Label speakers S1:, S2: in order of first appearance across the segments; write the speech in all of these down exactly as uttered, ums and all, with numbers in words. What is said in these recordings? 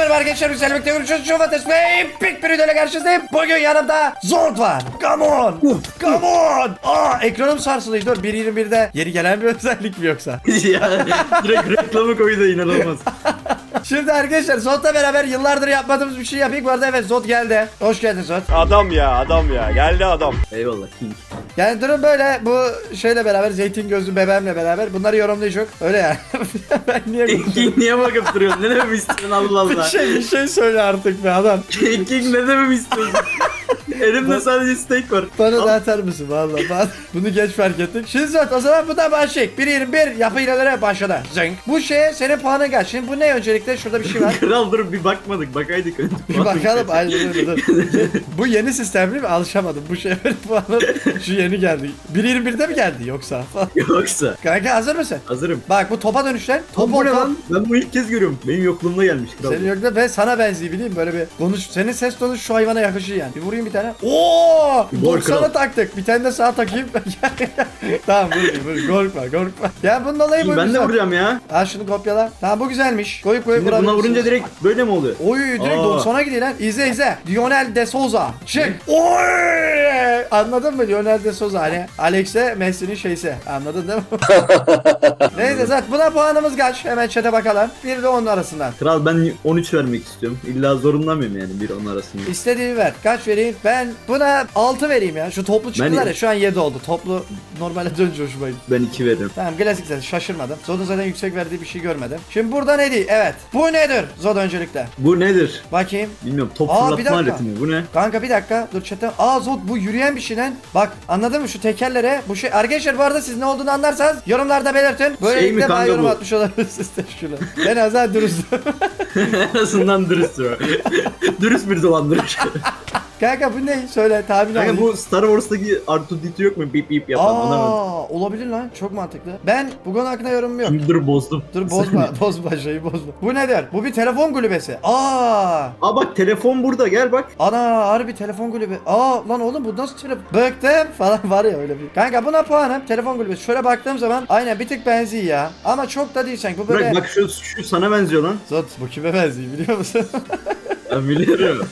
S1: merhaba arkadaşlar, güzel birlikte görüşürüz. Şu Fatih Bey, pek bir videoyla karşınızdayım. Bugün yanımda Zord var. Come on. Come on. Aa, ekranım sarsılıyor. Dur, bir yirmi birde yeni gelen bir özellik mi yoksa?
S2: Ya direkt reklamı koydu, inanılmaz.
S1: Şimdi arkadaşlar Zod'la beraber yıllardır yapmadığımız bir şey yapayım. Bu arada evet, Zod geldi. Hoş geldin Zod.
S3: Adam ya adam ya geldi adam.
S2: Eyvallah King.
S1: Yani durum böyle, bu şeyle beraber, zeytin gözlü bebeğimle beraber bunları yorumlayacak. Öyle yani. Ben niye
S2: King niye bakıp duruyorsun? Ne dememi istiyorsun Allah
S1: bir
S2: Allah.
S1: şey, bir şey söyle artık be adam.
S2: King ne dememi istiyorsun? Elimde sadece steak var.
S1: Bana
S2: Al.
S1: da atar mısın valla? Ben bunu geç fark ettim. Şimdi Zod, o zaman bu da başlayık. bir yirmi bir yapı hilelere başladı. Zing. Bu şeye senin puanın kaç? Şimdi bu ne öncelikle? Şurada bir şey var.
S2: Kral dur bir bakmadık, bakaydık önce.
S1: Bir bakalım. Aynen öyle, dur. Bu yeni sistem değil mi? Alışamadım. Bu şeye benim puanım şu yeni geldi. bir yirmi birde mi geldi yoksa?
S2: Yoksa.
S1: Kanka hazır mısın?
S2: Hazırım.
S1: Bak bu topa dönüşler.
S2: Top
S1: Top
S2: bu ne
S1: top.
S2: lan? Ben bunu ilk kez görüyorum. Benim yokluğumda gelmiş kral.
S1: Senin yok da ben sana benziyor, bileyim böyle bir konuş. Senin ses tonu şu hayvana yakışıyor yani. Bir vurayım bir tane. Oo!
S2: Gol
S1: doksana
S2: kral.
S1: taktık. Bir tane de sağa takayım. Tamam, vurayım vurayım. Korkma korkma. Ya bunun olayı bu.
S2: Ben de vuracağım ya.
S1: Ha, şunu kopyala. Tamam, bu güzelmiş. Koyup koyup
S2: Şimdi buna
S1: vurabilirsin.
S2: vurunca direkt böyle mi oluyor?
S1: Oy, direkt
S2: Aa.
S1: doksana gidiyor lan. İzle izle. Lionel de Souza. Çık. Oy! Anladın mı? Lionel de Souza hani Alex'e Messi'nin şeysi. Anladın değil mi? Neyse zaten buna puanımız kaç? Hemen chat'e bakalım. bir ile on arasından.
S2: Kral ben on üç vermek istiyorum. İlla zorunda mıyım yani bir on arasında?
S1: İstediğini ver. Kaç vereyim? Ben buna altı vereyim ya. Şu toplu çıktılar
S2: Ben-
S1: ya, şu an yedi oldu. Toplu normale dönünce hoşuma gitti.
S2: Ben iki veririm.
S1: Tamam, klasik zaten, şaşırmadım. Zod'un zaten yüksek verdiği bir şey görmedim. Şimdi burada ne değil? Evet. Bu nedir? Zod öncelikle.
S2: Bu nedir?
S1: Bakayım.
S2: Bilmiyorum, top
S1: Aa, bir
S2: fırlatma
S1: dakika.
S2: aleti mi? Bu ne?
S1: Kanka bir dakika. Dur chatten. Aa Zod, bu yürüyen bir şey lan. Bak anladın mı şu tekerlere? Bu şey. Arkadaşlar bu arada siz ne olduğunu anlarsanız yorumlarda belirtin. Böylelikle
S2: Şey mi
S1: bana
S2: kanka
S1: yorum
S2: bu?
S1: atmış olabilirsiniz de şunu. Ben azar dürüstüm.
S2: En azından dürüst o. Dürüst bir dolandırıcı.
S1: Kanka bu ne? Söyle, tahmin
S2: Kanka
S1: alayım.
S2: bu Star Wars'taki R two D two yok mu? Bip bip yapan
S1: Aa,
S2: anlamadım.
S1: olabilir lan. Çok mantıklı. Ben bu konu hakkında yorumum yok.
S2: Şimdi dur bozdum.
S1: Dur bozma, bozma şeyi bozma. Bu nedir? Bu bir telefon kulübesi. Aa!
S2: Aa bak telefon burada, gel bak.
S1: Ana, harbi telefon kulübü. Aa lan oğlum, bu nasıl telefon? Bıktım falan var ya öyle bir. Kanka buna puanım telefon kulübesi. Şöyle baktığım zaman aynen bir tık benziyor ya. Ama çok da değil sanki. Bu böyle.
S2: Bırak bak şu, şu sana benziyor lan.
S1: Zot, bu kime benziyor biliyor musun?
S2: Ben biliyorum.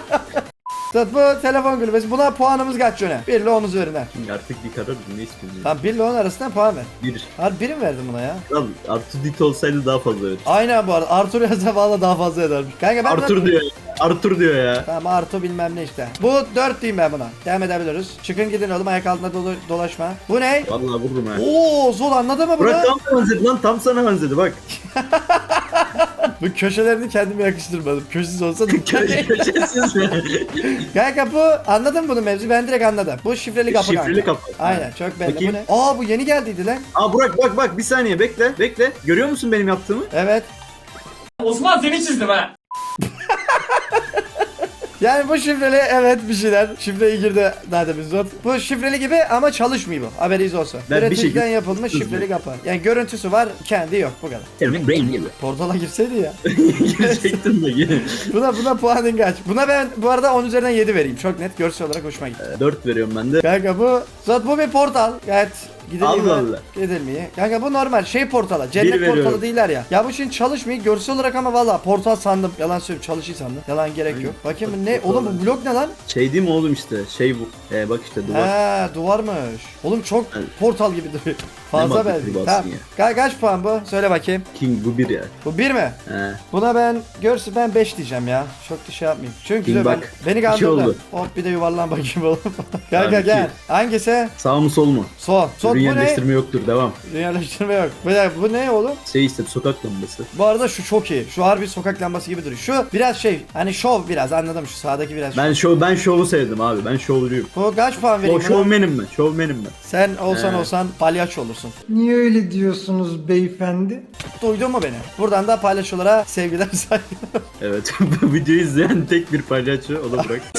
S1: Zot, bu telefon kulübesi. Buna puanımız kaç yöne? bir ile on üzerinden.
S2: Şimdi artık bir karar ne istiyorsun?
S1: Tamam, bir ile on arasından puan ver.
S2: Bir.
S1: Harbi bir mi verdin buna ya?
S2: Kral R two D two olsaydı daha fazla verir.
S1: Aynen bu arada. Arthur yazsa valla daha fazla edermiş. Kanka ben
S2: Arthur diyor. Arthur diyor ya.
S1: Tamam, Arto bilmem ne işte. Bu dört diyeyim ben buna. Devam edebiliriz. Çıkın gidin oğlum, ayak altında dolu dolaşma. Bu ne?
S2: Vallahi vururum ha.
S1: Oo Zol, anladın mı bunu?
S2: Bırak tam sana benzedi lan, tam sana benzedi bak.
S1: Bu köşelerini kendime yakıştırmadım. Köşesiz olsa da.
S2: Köşesiz mi?
S1: Kanka bu, anladın mı bunu mevzu? Ben direkt anladım. Bu şifreli kapı kanka.
S2: Şifreli kapı.
S1: Aynen, çok belli.
S2: Bakayım.
S1: Bu ne? Aa, bu yeni geldiydi lan.
S2: Aa Burak bak bak bir saniye bekle bekle. Görüyor musun benim yaptığımı?
S1: Evet.
S4: Osman seni çizdim ha.
S1: Yani bu şifreli, evet bir şeyler. Şifreyi girdi daha demin Zod. Bu şifreli gibi ama çalışmıyor bu. Haberiniz olsun.
S2: Ben bir
S1: Üreticiden
S2: şekilde-
S1: yapılmış şifreli kapı. Yani görüntüsü var, kendi yok, bu kadar.
S2: Senin brain gibi.
S1: Portala girseydi ya.
S2: Girecektim de yine.
S1: Buna buna puanın kaç? Buna ben bu arada on üzerinden yedi vereyim. Çok net, görsel olarak hoşuma gitti.
S2: dört veriyorum ben de.
S1: Kanka bu Zod, bu bir portal. Gayet gidilmiyor.
S2: Allah Allah.
S1: Gidilmiyor. Kanka bu normal şey portalı. Cennet
S2: Bir veriyorum.
S1: portalı değiller ya. Ya bu şimdi çalışmıyor görsel olarak ama valla portal sandım. Yalan söylüyorum, çalışıyor sandım. Yalan gerek yok. Bakayım bu ne? Oğlum bu blok ne lan?
S2: Şey değil mi oğlum işte şey bu. Ee, bak işte duvar.
S1: Ha, duvarmış. Oğlum çok
S2: Evet.
S1: portal gibi duruyor. Fazla
S2: mantıklı
S1: benziyor.
S2: bassın
S1: Tamam.
S2: ya.
S1: Ka- kaç puan bu? Söyle bakayım.
S2: King bu bir ya.
S1: Bu bir mi?
S2: He.
S1: Buna ben görsün ben beş diyeceğim ya. Çok da şey yapmayayım. Çünkü
S2: King
S1: ben,
S2: bak,
S1: beni
S2: iki
S1: kandırdı.
S2: oldu.
S1: Hop bir de yuvarlan bakayım oğlum. Kanka
S2: Tamam,
S1: gel.
S2: iki.
S1: Hangisi?
S2: Sağ mı sol mu?
S1: Sol. Sol
S2: Ürün
S1: bu ne?
S2: yerleştirme yoktur, devam.
S1: Yerleştirme yok. Bir dakika, bu ne oğlum?
S2: Şey işte sokak lambası.
S1: Bu arada şu çok iyi. Şu harbi sokak lambası gibi duruyor. Şu biraz şey, hani şov biraz, anladım, şu sağdaki biraz.
S2: Ben şov ben şovu sevdim abi. Ben şovcuyum.
S1: Bu kaç puan
S2: O
S1: vereyim buna?
S2: şovmenim ben. Şovmenim ben.
S1: Sen olsan
S2: He.
S1: olsan palyaço olursun.
S5: Niye öyle diyorsunuz beyefendi?
S1: Duydun mu beni? Buradan da palyaçolara sevgiler, saygılar.
S2: Evet. Bu videoyu izleyen tek bir palyaço, o da Burak.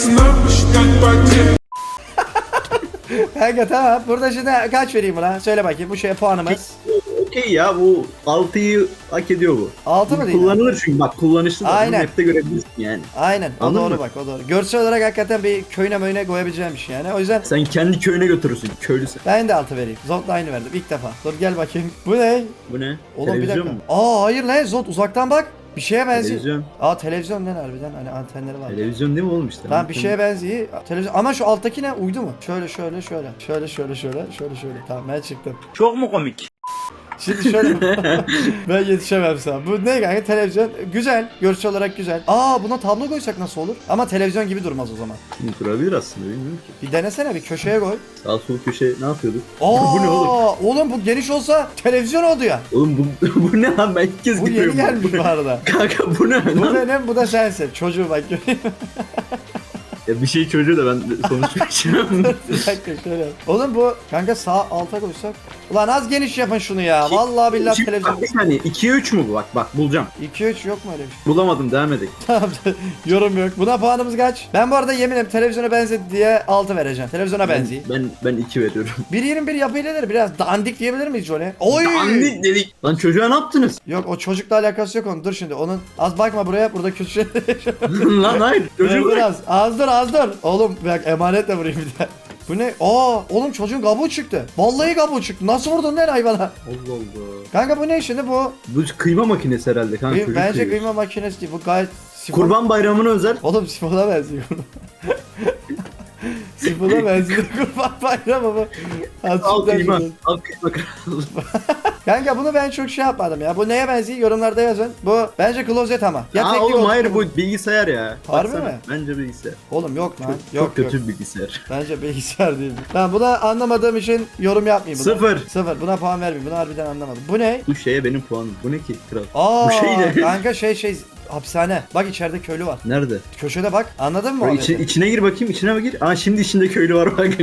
S1: Kanka tamam. Burada şimdi kaç vereyim buna? Söyle bakayım, bu şeye puanımız.
S2: Okey ya, bu altıyı hak ediyor bu.
S1: altı mı
S2: Bu
S1: değil?
S2: kullanılır çünkü bak, kullanışlı da.
S1: Aynen.
S2: Bunu map'te görebilirsin yani.
S1: Aynen. O
S2: Anladın
S1: doğru
S2: mı?
S1: bak, o doğru. Görsel olarak hakikaten bir köyüne möyüne koyabileceğim bir şey yani. O yüzden
S2: Sen kendi köyüne götürürsün. Köylüsün.
S1: ben de altı vereyim. Zod'la aynı verdim ilk defa. Dur gel bakayım. Bu ne?
S2: Bu ne?
S1: Oğlum bir
S2: Televizyon
S1: dakika.
S2: mu?
S1: Aa hayır lan, Zod uzaktan bak. Bir şeye benziyor.
S2: Televizyon.
S1: Aa televizyon lan harbiden hani antenleri var.
S2: Televizyon değil mi oğlum işte?
S1: Tamam bir şeye benziyor. Televizyon ama şu alttaki ne? Uydu mu? Şöyle şöyle şöyle. Şöyle şöyle şöyle şöyle şöyle. Tamam ben çıktım.
S3: Çok mu komik?
S1: Şimdi şöyle ben yetişemem sana. Bu ne kanka televizyon güzel. Görüntü olarak güzel. Aa buna tablo koysak nasıl olur? Ama televizyon gibi durmaz o zaman.
S2: Şimdi durabilir aslında bilmiyorum ki.
S1: Bir denesene bir köşeye koy.
S2: Sağ sol köşe ne yapıyorduk?
S1: Aa,
S2: bu ne oğlum?
S1: Oğlum bu geniş olsa televizyon oldu ya.
S2: Oğlum bu, bu ne lan ben ilk kez
S1: Bu yeni
S2: görüyorum.
S1: gelmiş
S2: Bu ne?
S1: bu arada.
S2: Kanka bu ne
S1: Bu
S2: lan?
S1: benim bu da sensin. Çocuğu bak göreyim.
S2: Ya bir şey çocuğu da ben konuşmayacağım.
S1: Bir dakika şöyle. Oğlum bu kanka sağ alta koysak. Ulan az geniş yapın şunu ya. Vallahi billahi
S2: İki-
S1: televizyon.
S2: Bak bir saniye ikiye üç mü bu? Bak bak bulacağım.
S1: iki üç yok mu öyle bir şey?
S2: Bulamadım devam edelim.
S1: Tamam yorum yok. Buna puanımız kaç? Ben bu arada yeminim televizyona benzedi diye altı vereceğim. Televizyona
S2: Ben,
S1: benziyor.
S2: ben, ben iki veriyorum.
S1: bir yirmi bir yapıyla biraz dandik diyebilir miyiz Johnny? Oy!
S2: Dandik dedik. Lan çocuğa ne yaptınız?
S1: Yok o çocukla alakası yok onun. Dur şimdi onun. Az bakma buraya. Burada kötü şey.
S2: Lan hayır.
S1: Dur
S2: Çocuğu
S1: dur az. Az dur az dur. Oğlum bak emanetle vurayım bir daha. Bu ne? Aa oğlum çocuğun kabuğu çıktı. Vallahi kabuğu çıktı. Nasıl vurdun lan hayvana?
S2: Allah Allah.
S1: Kanka bu ne şimdi bu?
S2: Bu kıyma makinesi herhalde kanka.
S1: Kıy-
S2: çocuk
S1: bence
S2: kıyıyor.
S1: kıyma makinesi değil. Bu gayet sifon.
S2: Kurban bayramına özel.
S1: Oğlum sifona benziyor. Sifona benziyor. Kurban bayramı bu.
S2: Al
S1: Azıcık
S2: kıyma.
S1: benziyor.
S2: Al kıyma kral.
S1: Kanka bunu ben çok şey yapmadım ya. Bu neye benziyor? Yorumlarda yazın. Bu bence klozet ama. Ya
S2: Aa
S1: teknik
S2: oğlum
S1: olsun
S2: hayır bu bilgisayar ya.
S1: Harbi
S2: Baksana,
S1: mi?
S2: Bence bilgisayar.
S1: Oğlum yok lan.
S2: Çok,
S1: yok
S2: çok kötü
S1: yok.
S2: bir bilgisayar.
S1: Bence bilgisayar değil. Tamam buna anlamadığım için yorum yapmayayım. Buna.
S2: Sıfır.
S1: Sıfır. Buna puan vermeyeyim. Bunu harbiden anlamadım. Bu ne?
S2: Bu şeye benim puanım. Bu ne ki kral?
S1: Aa,
S2: Bu şey ne?
S1: kanka şey şey hapishane. Bak içeride köylü var.
S2: Nerede?
S1: Köşede bak. Anladın mı?
S2: Bak,
S1: Ahmet'i?
S2: içi- içine gir bakayım içine mi gir? Aa şimdi içinde köylü var bak.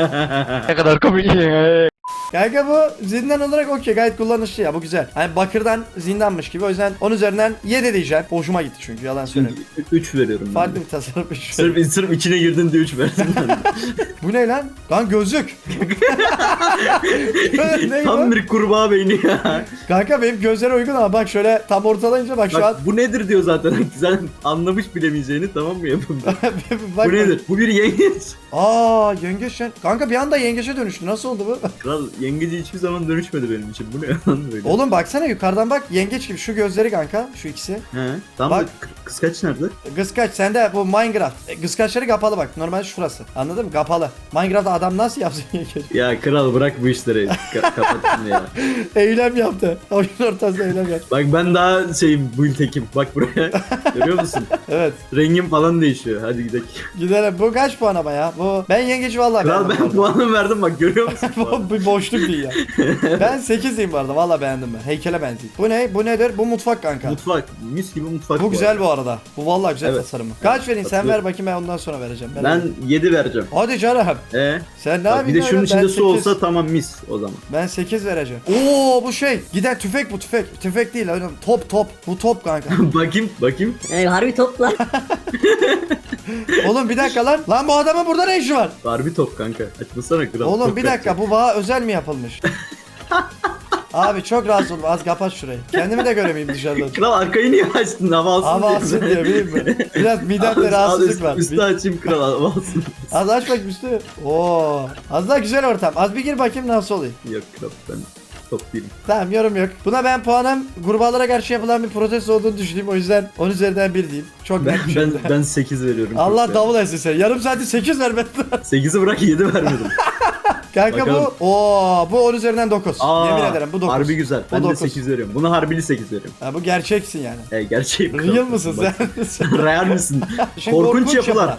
S1: Kanka bu zindan olarak okey gayet kullanışlı ya bu güzel. Hani bakırdan zindanmış gibi o yüzden on üzerinden yedi diyeceğim. Hoşuma gitti çünkü yalan söyleyeyim.
S2: üç veriyorum ben.
S1: Farklı
S2: de.
S1: bir tasarım.
S2: Sırf, sırf içine girdin diye üç verdim ben de.
S1: Bu ne lan? Lan gözlük. ne
S2: Tam
S1: bu?
S2: bir kurbağa beyni ya.
S1: Kanka benim gözlere uygun ama bak şöyle tam ortalayınca bak şu an.
S2: Bak bu nedir diyor zaten. Sen anlamış bilemeyeceğini tamam mı yapın?
S1: bak,
S2: Bu nedir? Bu bir yengeç.
S1: Aa yengeç lan. Kanka bir anda yengeçe dönüştü. Nasıl oldu bu?
S2: Kral yengeci hiçbir zaman dönüşmedi benim için. Bu ne lan böyle?
S1: Oğlum baksana yukarıdan bak yengeç gibi şu gözleri kanka şu ikisi.
S2: He. Tam
S1: Bak.
S2: da kı- kıskaç nerede?
S1: Kıskaç sende bu Minecraft. E, Kıskaçları kapalı bak. Normal şurası. Anladın mı? Kapalı. Minecraft'ta adam nasıl yapsın yengeç?
S2: Ya kral bırak bu işleri. Ka- kapattın ya.
S1: Eylem yaptı. Oyun ortasında eylem yaptı.
S2: Bak ben daha şeyim build tekim. Bak buraya. Görüyor musun?
S1: Evet.
S2: Rengim falan değişiyor. Hadi gidelim.
S1: Gidelim. Bu kaç puan ama ya? Bu ben yengeci vallahi
S2: Kral
S1: beğendim.
S2: ben puanımı verdim bak görüyor musun?
S1: Bu bir boşluk değil ya. Ben sekiz diyeyim bu arada. Vallahi beğendim ben. Heykele benziyor. Bu ne? Bu nedir? Bu mutfak kanka.
S2: Mutfak. Mis gibi mutfak.
S1: Bu güzel bu arada. Bu vallahi güzel
S2: Evet.
S1: tasarımı. Kaç vereyim? Sen ver
S2: Katılıyorum.
S1: bakayım ben ondan sonra vereceğim. Ben
S2: Ben yedi vereceğim.
S1: Hadi canım.
S2: E?
S1: Sen ne
S2: Bak,
S1: yapayım?
S2: bir de
S1: lan?
S2: şunun
S1: Ben
S2: içinde su
S1: sekiz.
S2: olsa tamam mis o zaman.
S1: Ben sekiz vereceğim. Oo bu şey. Giden tüfek bu tüfek. Tüfek değil oğlum. Top top. Bu top kanka.
S2: bakayım bakayım.
S6: Yani harbi topla.
S1: Oğlum bir dakika lan. Lan bu adamın burada ne işi var?
S2: Harbi top kanka. Açmasana kral.
S1: Oğlum
S2: Top
S1: bir dakika
S2: yapacak.
S1: bu bana özel mi yapılmış? Abi çok rahatsız oldum. Az kapat şurayı. Kendimi de göremeyeyim dışarıdan.
S2: Kral arkayı niye açtın? Hava alsın
S1: Hava
S2: diye.
S1: alsın diye bileyim mi? Biraz midemde
S2: Al,
S1: rahatsızlık
S2: üst-
S1: var.
S2: Üstü açayım kral hava alsın.
S1: Az aç bakayım üstü. Oo. Az daha güzel ortam. Az bir gir bakayım nasıl oluyor.
S2: Yok kral ben top değilim.
S1: Tamam yorum yok. Buna ben puanım kurbağalara karşı yapılan bir protesto olduğunu düşündüğüm o yüzden on üzerinden bir diyeyim. Çok
S2: Ben
S1: net bir
S2: ben
S1: şekilde.
S2: ben sekiz veriyorum.
S1: Allah
S2: Çok
S1: davul etsin seni. Yarım saati sekiz ver ben.
S2: sekizi bırak yedi vermedim.
S1: Kanka
S2: Bakalım.
S1: bu oo bu on üzerinden dokuz.
S2: Aa,
S1: Yemin ederim bu dokuz.
S2: Harbi güzel.
S1: Bu
S2: Ben de
S1: dokuz.
S2: sekiz veriyorum. Buna harbili sekiz veriyorum.
S1: Ha, bu gerçeksin yani.
S2: E gerçeğim. kral.
S1: Real mısın
S2: Bak,
S1: sen?
S2: Real misin?
S1: Şimdi
S2: Korkunç yapılar.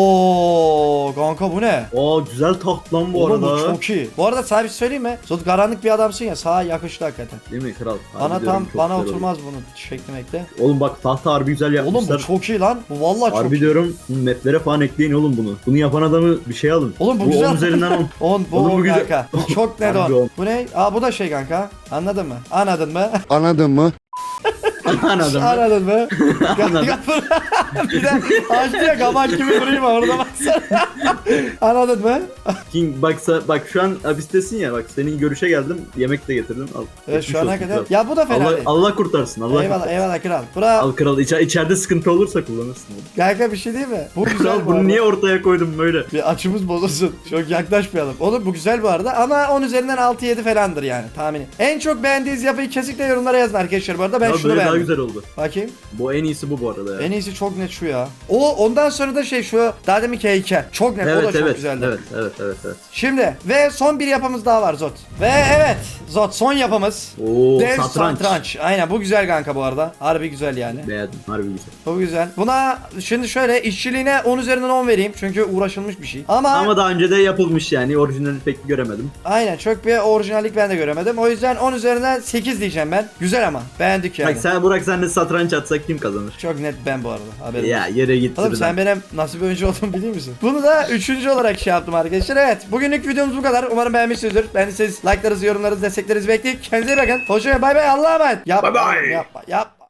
S1: Oo kanka bu ne?
S2: Oo güzel taht lan bu
S1: Oğlum bu
S2: arada.
S1: çok iyi. Bu arada sana bir şey söyleyeyim mi? Zot karanlık bir adamsın ya sağa yakıştı hakikaten.
S2: Değil mi kral? Harbi
S1: Bana
S2: diyorum,
S1: tam
S2: çok
S1: bana
S2: güzel
S1: oturmaz bunun şeklemekte.
S2: oldu. Oğlum bak tahta harbi güzel
S1: Oğlum
S2: yapmışlar.
S1: bu çok iyi lan. Bu vallahi çok
S2: Harbi
S1: iyi.
S2: diyorum maplere falan ekleyin oğlum bunu. Bunu yapan adamı bir şey alın.
S1: Oğlum bu
S2: bu
S1: güzel.
S2: on üzerinden on.
S1: on bu
S2: Oğlum bu
S1: on
S2: güzel.
S1: kanka. Bu çok net
S2: Harbi
S1: on.
S2: on.
S1: Bu ne? Aa bu da şey kanka. Anladın mı? Anladın mı?
S7: Anladın mı?
S2: Anladım.
S1: Anladın mı?
S2: Anladım.
S1: bir de açtı ya kamaç gibi durayım orada baksana. Anladın mı?
S2: King baksa bak şu an hapistesin ya bak senin görüşe geldim yemek de getirdim al.
S1: Evet
S2: Geçmiş
S1: şu ana
S2: olsun
S1: kadar.
S2: kral.
S1: Ya bu da fena
S2: Allah,
S1: değil.
S2: Allah kurtarsın Allah
S1: eyvallah
S2: kurtarsın.
S1: eyvallah kral. Bura
S2: Al kral içe, içeride sıkıntı olursa kullanırsın.
S1: kanka bir şey değil mi? Bu güzel
S2: Kral
S1: bu
S2: bunu
S1: arada.
S2: niye ortaya koydum böyle?
S1: Bir açımız bozulsun. Çok yaklaşmayalım. Oğlum bu güzel bu arada ama on üzerinden altı yedi falandır yani tahmini. En çok beğendiğiniz yapıyı kesinlikle yorumlara yazın arkadaşlar bu arada. Ben
S2: Ya
S1: şunu
S2: böyle daha
S1: oldu.
S2: güzel oldu.
S1: Bakayım.
S2: Bu en iyisi bu bu arada ya.
S1: En iyisi çok net şu ya. O ondan sonra da şey şu daha deminki heykel. Çok net, o da
S2: Evet
S1: çok
S2: evet,
S1: güzeldi.
S2: evet evet evet evet.
S1: Şimdi ve son bir yapımız daha var Zot. Ve evet Zot son yapımız.
S2: Oo,
S1: Dev
S2: satranç.
S1: satranç. Aynen bu güzel kanka bu arada. Harbi güzel yani.
S2: Beğendim, harbi güzel.
S1: Çok güzel. Buna şimdi şöyle işçiliğine on üzerinden on vereyim. Çünkü uğraşılmış bir şey. Ama,
S2: Ama daha önce de yapılmış yani, orijinalini pek göremedim.
S1: aynen çok bir orijinallik ben de göremedim. O yüzden on üzerinden sekiz diyeceğim ben. Güzel ama. Beğendik yani.
S2: Bak sen Burak, sen de satranç atsak kim kazanır?
S1: Çok net ben bu arada. Haberim.
S2: Ya yere git.
S1: Oğlum sen benim nasıl bir oyuncu olduğumu biliyor musun? Bunu da üçüncü olarak şey yaptım arkadaşlar. Evet. Bugünlük videomuz bu kadar. Umarım beğenmişsinizdir. Ben de siz like'larınızı, yorumlarınızı, desteklerinizi bekliyorum. Kendinize iyi bakın. Hoşçakalın. Bay bay. Allah'a emanet. Yapma.
S2: Bay bay.
S1: Yapma. Yapma.